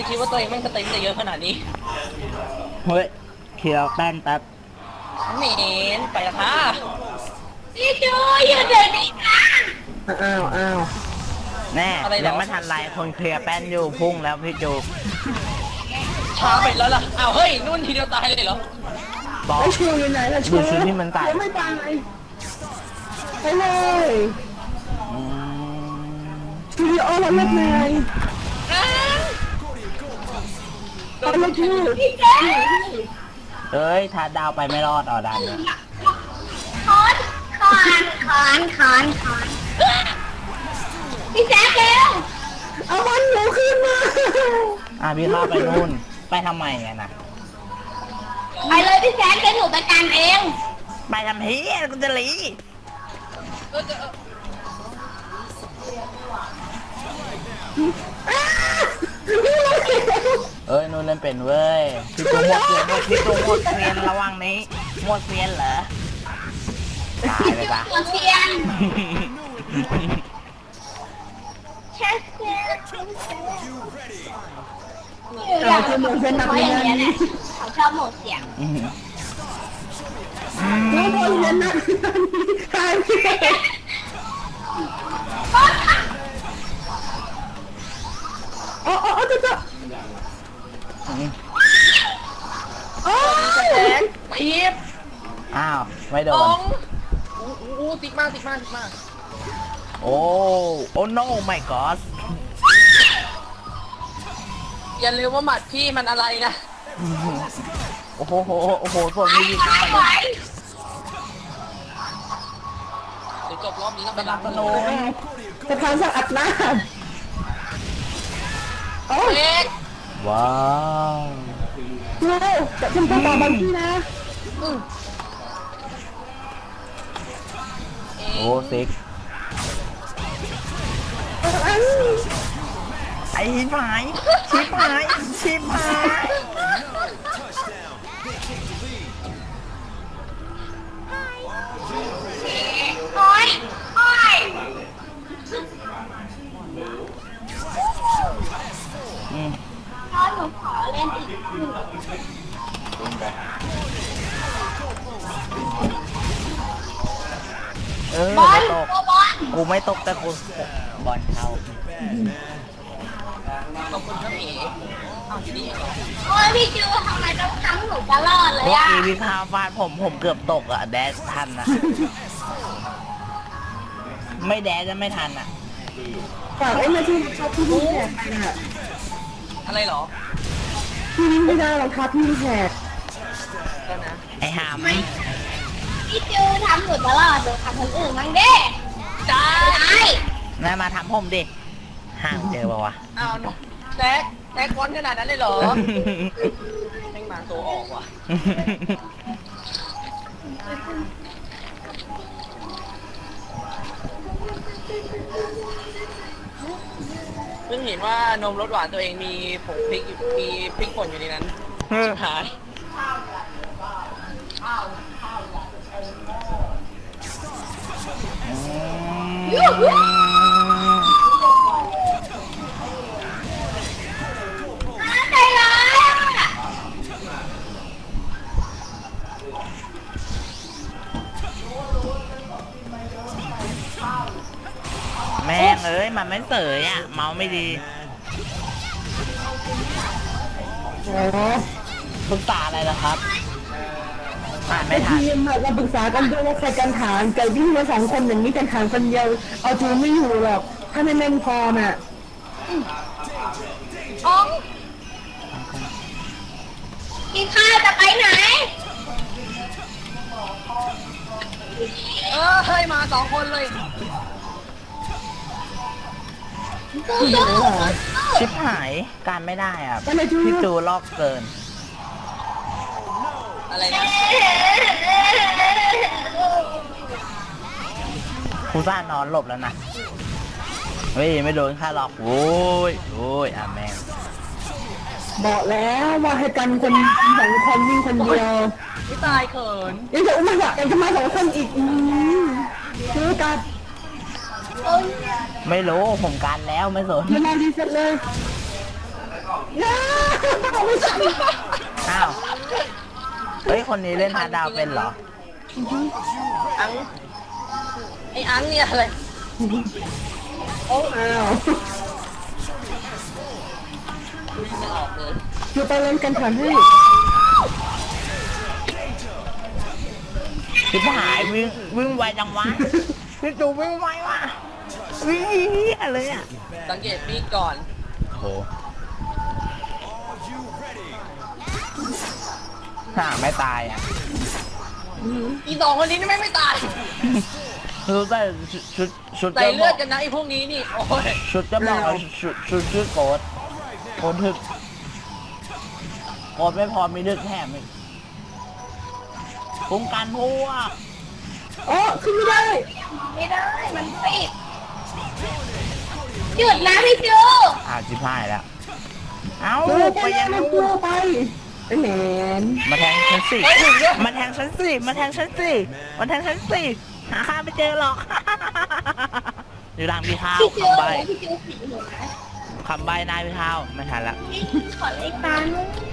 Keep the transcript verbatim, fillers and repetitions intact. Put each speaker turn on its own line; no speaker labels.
จะคิดว่าตัวเองแม่งสเต็มจะเยอะขนาดนี้
เฮ้ยเคียวแป้นแป๊บ
เหม็นไปละค่ะ
พี่จูอยู่เดี๋ยวนี้นะ
อ้าวอ้าว
แน่ยังไม่ทันไรคนเคลียร์แป้นอยู่พุ่งแล้วพี่จู
ช้าไปแล้วล่ะอ้าวเฮ้ยนุ่นทีเดียวตายเลยเหรอ
บอก
ไอ้ชูอยู่ไหนล่ะชู
ดูชุดที่มันใส่
ยังไม่ตายไปเลย
อืม
ชูดิโอเราเลิกไง
อ้าว
เอาเลยชู
พี่แจ๊ค
เอ้ยถ้าดาวไปไม่รอดอ่อดันเนี่ย
คอนคอนคอนคอนคอนพี่แจ๊คเร็ว
เอามันหนูขึ้นมา
อ่ะพี่เข้าไปนู่นไปทำไมไงนะ
ไปเลยพี่แจ๊คเดี๋ยวหนูไปกันเอง
ไปทำเฮียกูจะหลี
เออเออ
เอ้ยนู่นเล่นเป็นเว้ยพี่จูหมดเซียนพี่จูหมดเซียนระวังนี้หมดเซียนเหรอตายเลยปะ
หัวเทียนแค่เสียง
เราจะเหมือนเป็นนัก
เขา
เรี
อย ย่างเงี้ยแหละ
น
เขาชอบโหมดเสียง
อืม
เราบอลเรียนนักเรียนตายอ๋ออ๋อจะจะ
อืม
โอ้ย
แจ็คพีบ
อ้าวไม่โด
ต
น
งอู้อู้ติ๊กมากติ๊กมากติ๊กมาก
โอ้โอ้ no my god
อย่าลืมว่าหมัดพี่มันอะไรนะ
โอ้โหโอ้โหส่วนนี้ดีมาก
ไหว
เดี๋ยวจบรอบนี้ต้องไปรับ
ส
ส
โน
โน
ว์
จะทานสักอัดหน้าโอ้ย
เอ็ก
ว้าว
เราจะทำตัวต่อบางทีนะ
โอ้ซิก
อัน
ไอ้ชิบหายชิบหายชิบหาย
โอ้ยโอ้ย
อืม
พ่อหนูขอเล่นอีกหนึ่ง
เออบ
อ
ไม่
ล
ตก
ตัวบอล
กูไม่ตกแต่กูบอลเข้า
ขอบคุณครับพี่อ้าวทีนี้เองเหรอ
โอ้ยพี่จูทำไมต้องทำหนูตลอดเลย
เมื่อ
อ่ะ
กี้พี่พาฟาดผมผมเกือบตกอ่ะแดชทันอ่ะ ไม่แดชจะไม่ทันอ่ะ
ฝากไอ้มาที่ชอบที่นี่แหกไปน่ะ
อะไรเหรอ
ที่นี่ไม่ได้หรอกครับที่แหก
ก็นะ
ไอ้หาม
พี่จูทำหนูตลอดหนูทำคนอื่นบ้างเด้
จ้า
ได้
นายมาทำผมดิห่างเจอปะวะ
อ้าวแจ็คแจ็คก้อนขนาดนั้นเลยเหรอแม่งมาตัวออกว่ะเพิ่งเห็นว่านมรสหวานตัวเองมีผงพริกอยู่มีพริกป่นอยู่ในนั้นชิบหาย
ยูหูใจร้ายอ่ะ
แม่งเอ้ยมันไม่เสยอ่ะ เมาไม่ดี
โอ้
ปรึกษาอะไรล่ะครับอ่าน
ไอ้
ไม่ทัน
ทีมอะเราปรึกษากันด้วยว่าใครกันฐานไก่วิ่งมาสองคนอย่างนี้กันฐานคนเดียวเอาจูไม่อยู่หรอกถ้าไม่แม่งพอน่ะ
อ๋องกินข้าวจะไปไหน
เออเฮ้ยมาสองคนเลย
สู้
เดี๋ยวเหรอ
ชิบหายการไม่ได้อ่ะ
ก็เลยจู
พี่จูลอกเกิน
อะไรนะ
กูซ่านอนหลบแล้วนะ เฮ้ย ไม่โดนค่าหลอกโว้ยโว้ยอ่ะแม่ง
บอกแล้วว่าให้กันคนสองคนวิ่งคนเดียว
ไม่ตายเขิน
ยังจะอุ้มมายังจะมาสองคนอีกอืมซื้อกัน
ไม่รู้ผมการแล้วไม่สน
เวลาดีเสร็จเลยย่าไม่ใช่
อ้าวเฮ้ยคนนี้เล่นฮาร์ดดาวเป็นเหรอ
อังไอ้อังเนี่ยอะไร
โอ้อ้าว
ไม่ออกเลย
อยู่ไปเล่นกันฐานให้
พี่หายวิ่งวิ่งไวจังวะพี่จูวิ่งไวว่ะวิ่งเหี้ยเลยอ่ะ
สังเกตปีกก่อน
โหห่าไม่ตายอ่ะ
อีสองคนนี้นี่ไม่ไม่ตาย
รู้แต่ชุดชุดชุด
ใส่
จะบ
เลื
อ
อด
ก
กันนะไอ้พวกนี้นี่โอ้ย
ชุดจะบอกว่าชุดชุดชื่อโกดโกดถึกโกดไม่พอมีดึกแถมอีกคุ้มกันพวก
อ๋อขึ้นไม่ได้
ไม่ได้มันปิดหยุดนะพี่จู
อ่าจิบหายแล้ว เอ้า
เออ
ไป
ไป
ยั
ยัง ง
นู่
ตั
น
วไปไอ้แหมน
มาแทงฉันสิ
เฮ้ยถึงด้วย
มาแทงฉันสิมาแทงฉันสิมาแทงฉันสิหาข้าไม่เจอหรอก อยู่ทางพี่เท้า
พี่จู
คำใบ
พี่จูสีหัว
คำใบนายพี่เท้าไม่ทันละ
ขอเลขตาหน่อย